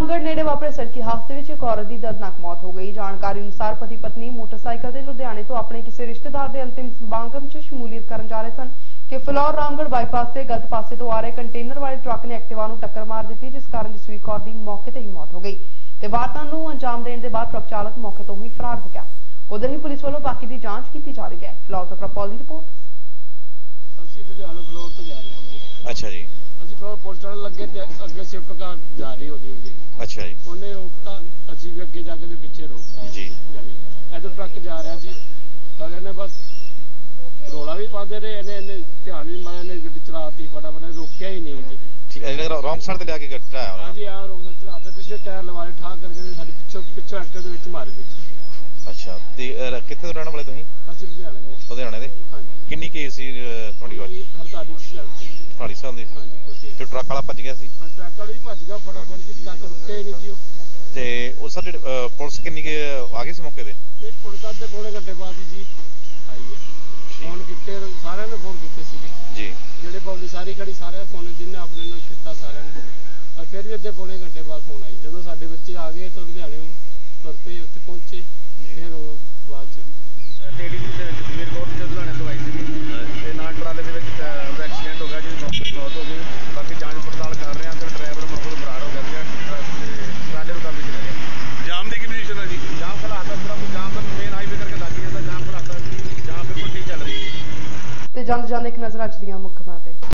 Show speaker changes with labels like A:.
A: रामगढ़ नेड़े वापरे सड़की हादसे में एक औरत की दर्दनाक मौत हो गई। जानकारी अनुसार पति पत्नी मोटरसाइकिल से लुधियाने तो अपने किसी रिश्तेदार के अंतिम समागम च शमूलियत करन जा रहे सन कि फिलौर रामगढ़ बाईपास से गलत पासे तो आ रहे कंटेनर वाले ट्रक ने एक्टिवा नूं टक्कर मार दी, जिस कारण जसवीर कौर की मौके ते ही मौत हो गई ते वारदात नूं अंजाम देने के बाद ट्रक चालक मौके तो ही फरार हो गया। उधर ही पुलिस वालों बाकी की जांच की जा रही है। फिलौर तो प्रपॉल की रिपोर्ट।
B: अच्छा जी,
C: ਅਸੀਂ ਫਿਰ ਪੁਲ ਚੜਨ ਲੱਗੇ ਤੇ ਅੱਗੇ ਸਿਫਟ ਕਾਰ ਜਾ ਰਹੀ ਉਹਦੀ
B: अच्छा जी,
C: ਉਹਨੇ ਰੋਕਤਾ, ਅਸੀਂ ਵੀ ਅੱਗੇ ਜਾ ਕੇ ਦੇ ਪਿੱਛੇ ਰੋਕਤਾ
B: जी,
C: ਜਾਨੀ ਇਧਰ ਟਰੱਕ ਜਾ ਰਿਹਾ ਸੀ ਤਾਂ ਇਹਨੇ ਬਸ ਰੋਲਾ ਵੀ ਪਾਉਂਦੇ ਰਹੇ, ਇਹਨੇ ਧਿਆਨ ਨਹੀਂ ਮਾਰਿਆ, ਇਹਨੇ ਗੱਡੀ ਚਲਾਤੀ ਫਟਾਫਟ, ਰੋਕਿਆ ਹੀ ਨਹੀਂ ਜੀ।
B: ठीक है। रॉन्ग साइड ਤੇ ਲਿਆ ਕੇ ਗੱਟਾ ਆਇਆ
C: ਹਾਂਜੀ ਆ ਰੋਕ ਚਲਾਤਾ, ਪਿੱਛੇ ਟਾਇਰ ਲਵਾਏ ਠਾ ਕਰਕੇ ਸਾਡੇ ਪਿੱਛੋਂ ਐਕਟਰ ਦੇ ਵਿੱਚ ਮਾਰੇ ਵਿੱਚ।
B: ਅੱਛਾ ਤੇ ਕਿੱਥੇ ਤੋਂ ਰਹਿਣ ਵਾਲੇ ਤੁਸੀਂ?
C: ਅਸੀਂ ਲੁਧਿਆਣੇ ਦੇ।
B: ਲੁਧਿਆਣੇ ਦੇ।
C: ਹਾਂਜੀ।
B: ਕਿੰਨੀ ਕੇਸ ਸੀ ਤੁਹਾਡੀ ਵਾਰ?
C: 48 ਸਾਲ ਸੀ।
B: 48 ਸਾਲ ਦੇ।
C: ਹਾਂਜੀ ਕੋਸ਼ਿਸ਼।
B: ਤੇ ਟਰੱਕ ਵਾਲਾ ਭੱਜ ਗਿਆ ਸੀ?
C: ਟਰੱਕ ਵਾਲਾ ਵੀ ਭੱਜ ਗਿਆ ਫਟਾਫਟ ਜੀ, ਟਰੱਕ ਰੁਕਿਆ ਹੀ ਨਹੀਂ ਜੀ ਉਹ।
B: ਤੇ ਉਹ ਸਰ ਜਿਹੜੇ ਪੁਲਿਸ ਕਿੰਨੀ ਕੇ ਆ ਗਈ ਸੀ ਮੌਕੇ ਤੇ?
C: ਇਹ ਪੁਲਿਸ ਅੱਧੇ ਪੌਣੇ ਘੰਟੇ ਬਾਅਦ ਹੀ ਜੀ ਆਈ ਹੈ। ਫੋਨ ਕੀਤੇ ਸਾਰਿਆਂ ਨੇ, ਫੋਨ ਕੀਤੇ ਸੀਗੇ
B: ਜੀ,
C: ਜਿਹੜੇ ਪਬਲਿਕ ਸਾਰੀ ਖੜੀ, ਸਾਰਿਆਂ ਫੋਨ ਜਿੰਨੇ ਆਪਣੇ ਨੂੰ ਕੀਤਾ ਸਾਰਿਆਂ ਨੇ, ਔਰ ਫਿਰ ਵੀ ਅੱਧੇ ਪੌਣੇ ਘੰਟੇ ਬਾਅਦ ਫੋਨ ਆਈ। ਜਦੋਂ ਸਾਡੇ ਬੱਚੇ ਆ ਗਏ ਤਾਂ ਲੁਧਿਆਣੇ ਤੁਰ ਪਏ, ਉੱਥੇ ਪਹੁੰਚੇ, ਫਿਰ ਉਹ ਬਾਅਦ ਚ
D: ਲੇਡੀ ਦੀ ਜਸਵੀਰ ਕੌਰ ਦੀ ਲੁਧਿਆਣੇ ਤੋਂ ਆਈ ਸੀਗੀ ਤੇ ਨਾਲ ਟਰਾਲੇ ਦੇ ਵਿੱਚ ਉਹਦਾ ਐਕਸੀਡੈਂਟ ਹੋ ਗਿਆ, ਜਿਹਦੀ ਮੌਤ ਹੋ ਗਈ। ਬਾਕੀ ਜਾਂਚ ਪੜਤਾਲ ਕਰ ਰਹੇ ਹਾਂ ਤੇ ਡਰਾਈਵਰ ਮੌਕੇ ਤੋਂ ਫਰਾਰ ਹੋ ਗਿਆ ਸੀਗਾ ਤੇ ਟਰਾਲੇ ਨੂੰ ਕਾਬੂ ਕੀਤਾ ਗਿਆ।
E: ਜਾਮ ਦੀ ਕੀ ਪੋਜੀਸ਼ਨ ਹੈ ਜੀ?
D: ਜਾਮ ਖਲਾਤਾ ਪੂਰਾ, ਕੋਈ ਜਾਮ ਦਾ ਮੇਨ ਹਾਈਵੇ ਕਰਕੇ ਲੱਗ ਜਾਂਦਾ, ਜਾਮ ਖਲਾਤਾ, ਜਾਮ ਬਿਲਕੁਲ ਠੀਕ ਚੱਲ ਰਹੀ ਹੈ।
A: ਤੇ ਜਾਂਦੇ ਜਾਂਦੇ ਇੱਕ ਨਜ਼ਰ ਅੱਜ ਦੀਆਂ ਮੁੱਖ ਖਬਰਾਂ ਤੇ।